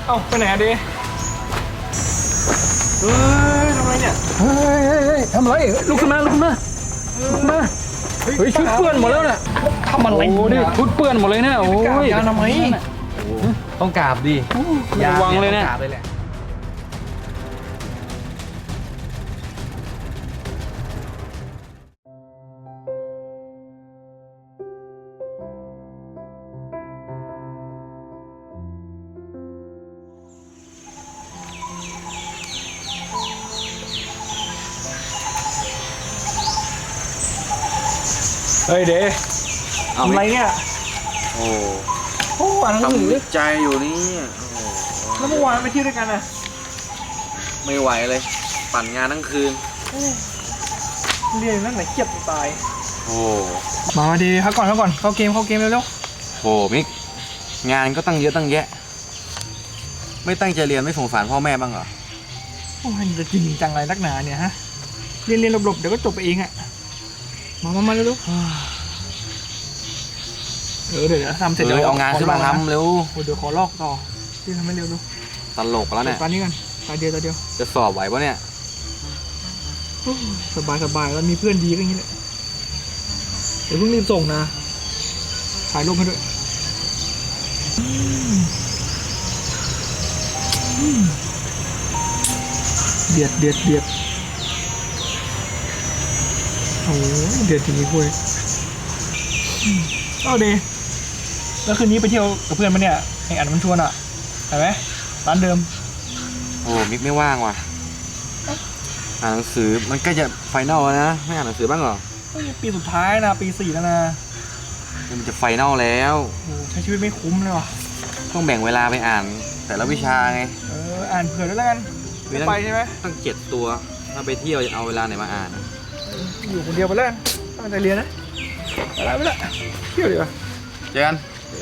เอ้าไปไหนอะเดเฮ้ยทำไรเนี่ยเฮ้ยทำไรลุกขึ้นมาลุกขึ้นมาลุกขึ้นมาเฮ้ยชุดเปื้อนหมดแล้วเนี่ยทำอะไรดิชุดเปื้อนหมดเลยเนี่ยโอ้ยยาทำไมต้องกราบดิยาเนี่ยต้องกราบเลยแหละเฮ้ยเดทำไรเนี่ยโอ้อ่านหนังสือทำใจอยู่นี่แล้วเมื่อวานไปเที่ยวด้วยกันอะไม่ไหวเลยปั่นงานทั้งคืนเรียนนั่นไหนเกียบตายโอ้มาดีพักก่อนเข้าเกมเร็วโหมิกงานก็ตั้งเยอะตั้งแยะไม่ตั้งใจเรียนไม่สงสารพ่อแม่บ้างเหรอโอ้ยจะจริงจังอะไรนักหนาเนี่ยฮะเรียนหลบๆเดี๋ยวก็จบไปเองอะมาเร็วเดี๋ยวทำเสร็จเอางานขึ้นมาทำเร็วเดี๋ยวขอลอกต่อที่ทำให้เร็วดูตลกแล้วเนี่ยตอนนี้กันตาเดียวจะสอบไหวปะเนี่ยสบายแล้วมีเพื่อนดีก็อย่างนี้แหละเดี๋ยวเพิ่งรีบส่งนะถ่ายรูปให้ด้วยเดือดโอ้เดือดจริงๆคุยเอาดีแล้วคืนนี้ไปเที่ยวกับเพื่อนมาเนี่ยไอ้อันมันชวนอ่ะเห็นไหมร้านเดิมโอ้มิกไม่ว่างว่ะอ่านหนังสือมันก็จะไฟนอลแล้วนะไม่อ่านหนังสือบ้างเหรอปีสุดท้ายนะปี 4แล้วนะมันจะไฟนอลแล้วโอ้ใช้ชีวิตไม่คุ้มเลยว่ะต้องแบ่งเวลาไปอ่านแต่ละวิชาไงอ่านเผื่อด้วยแล้วกันไปใช่ไหมต้อง7 ตัวถ้าไปเที่ยวจะเอาเวลาไหนมาอ่านอยู่คนเดียวไปแล้วตั้งใจเรียนนะไปละเที่ยวดีกว่าเจอกัน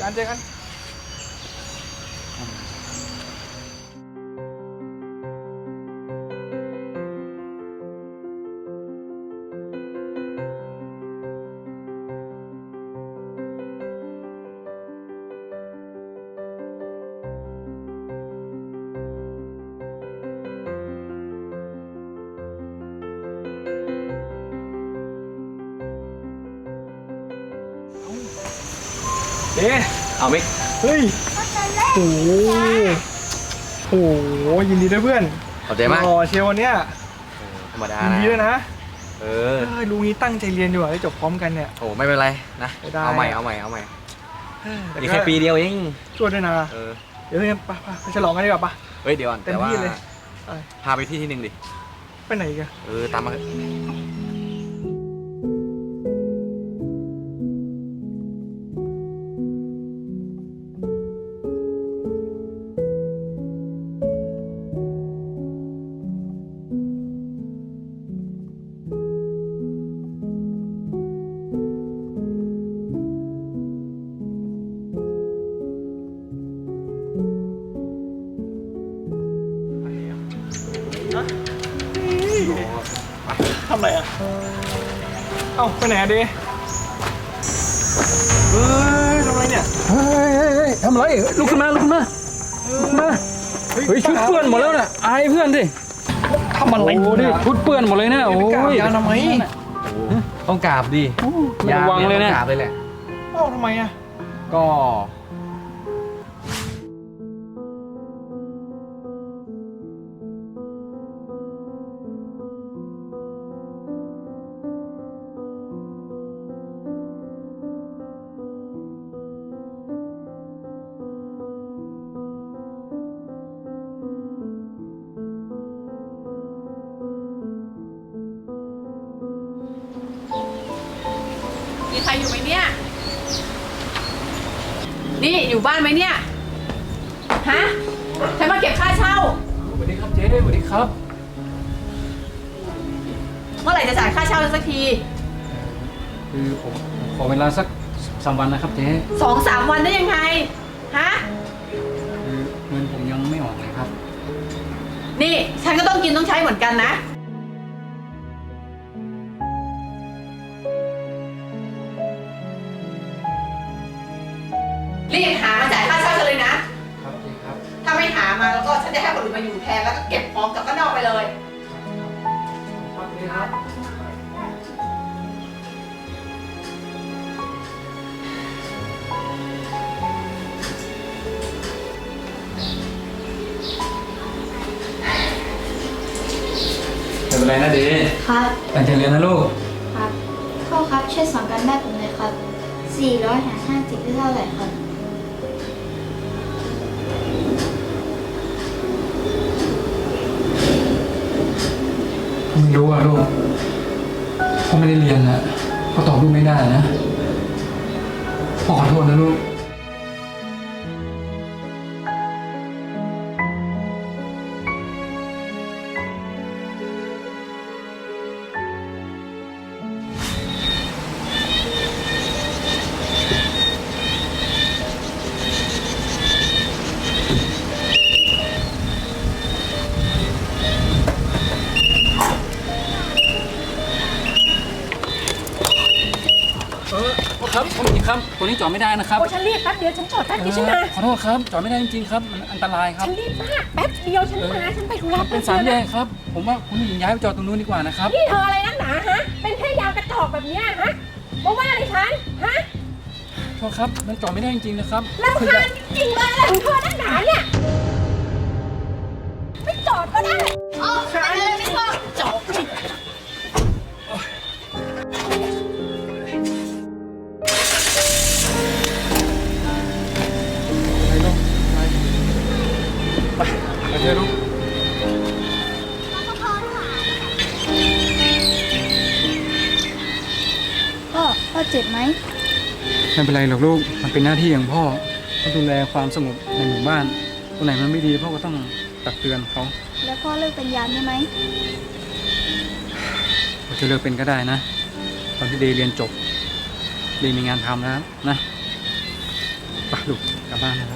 เอามิกเฮ้ยโอ้ยินดีด้วยเพื่อนขอบใจมากเชียววันเนี้ยธรรมดายินดีด้วยนะลุงนี้ตั้งใจเรียนอยู่ได้จบพร้อมกันเนี่ยโอ้ไม่เป็นไรนะเอาใหม่อีกแค่ปีเดียวเองช่วยด้วยนะเดี๋ยวไปฉลองกันดีกว่าปะเฮ้ยเดี๋ยวก่อนแต่ว่าพาไปที่หนึ่งดิไปไหนกันตามมาทำไรอ่ะเอ้าไปไหนอะเดเฮ้ยทำไรเนี่ยเฮ้ยทำไรลุกขึ้นมาเฮ้ยชุดเปื้อนหมดแล้วเนี่ยอายเพื่อนดิทำอะไรดิชุดเปื้อนหมดเลยเนี่ยโอ้ยยาทำไมต้องกราบดิยาเนี่ยต้องกราบเลยแหละเอ้าทำไมอ่ะก็มีใครอยู่ไหมเนี่ยนี่อยู่บ้านไหมเนี่ยฮะฉันมาเก็บค่าเช่าสวัสดีครับเจ๊สวัสดีครับเมื่อไหร่จะจ่ายค่าเช่าสักทีคือผมขอเวลาสัก3 วันนะครับเจ๊ 2-3 วันได้ยังไงฮะคือเงินผมยังไม่ออกเลยครับนี่ฉันก็ต้องกินต้องใช้เหมือนกันนะรีบหามาจ่ายค่าเช่าฉันเลยนะครับเจ๊ครับถ้าไม่หามามาแล้วก็ฉันจะให้คนอื่นมาอยู่แทนแล้วก็เก็บของกลับบ้านนอกไปเลยไม่เป็นไรนะเดย์ครับตั้งใจเรียนนะลูกครับพ่อครับช่วยสอนกันบ้านผมหน่อยครับ400 หาร 50ได้เท่าไหร่ครับไม่รู้อ่ะลูกพ่อไม่ได้เรียนอ่ะก็ตอบลูกไม่ได้นะพ่อขอโทษนะลูก ครับผมอีกครับตัวนี้จอดไม่ได้นะครับโอ้ฉันรีบแป๊บเดียวฉันจอดแป๊บเดียวฉันมาขอโทษครับจอดไม่ได้จริงๆครับมันอันตรายครับฉันรีบมากแป๊บเดียวฉันมาฉันไปธุระเป็นสามแยกครับ ผมว่าคุณผู้หญิงย้ายไปจอดตรงนู้นดีกว่านะครับนี่เธออะไรนักหนาฮะ เป็นแค่ยางกระจอกแบบเนี้ยฮะมาว่าอะไรฉันฮะโทษครับมันจอดไม่ได้จริงๆนะครับรำคาญจริงๆเลยอะไรของเธอนักหนาเนี่ย ไม่จอดก็ได้อ๋ออะไรไม่พอจอดสิไปเถอะลูกพ่อเจ็บไหมไม่เป็นไรหรอกลูกมันเป็นหน้าที่ของพ่อต้องดูแลความสงบในหมู่บ้านตรงไหนมันไม่ดีพ่อก็ต้องตักเตือนเขาแล้วพ่อเลิกเป็นยามได้ไหมเขาจะเลิกเป็นก็ได้นะตอนที่เดย์เรียนจบเดย์มีงานทำแล้วนะไปลูกกลับบ้านนะครับ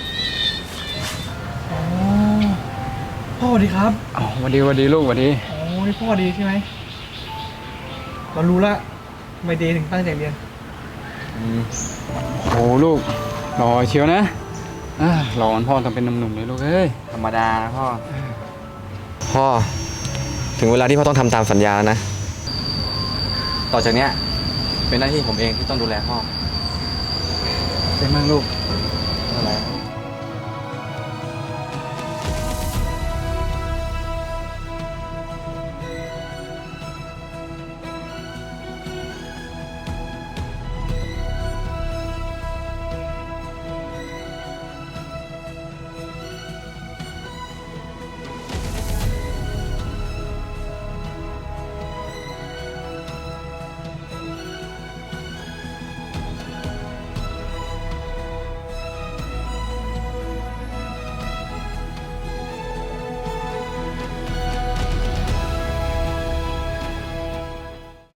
อ๋อพ่อดีครับอ๋อสวัสดีลูกสวัสดีอ๋อนี่พ่อดีใช่ไหมเรารู้ละทำไมเดย์ถึงตั้งใจเรียนโอ้ลูกหล่อเชียวนะหล่อเหมือนพ่อทำเป็นหนุ่มๆเลยลูกเอ้ยธรรมดานะพ่อ พ่อ ถึงเวลาที่พ่อต้องทำตามสัญญาแล้วนะ ต่อจากเนี้ยเป็นหน้าที่ผมเองที่ต้องดูแลพ่อเป็นมากลูกอะไร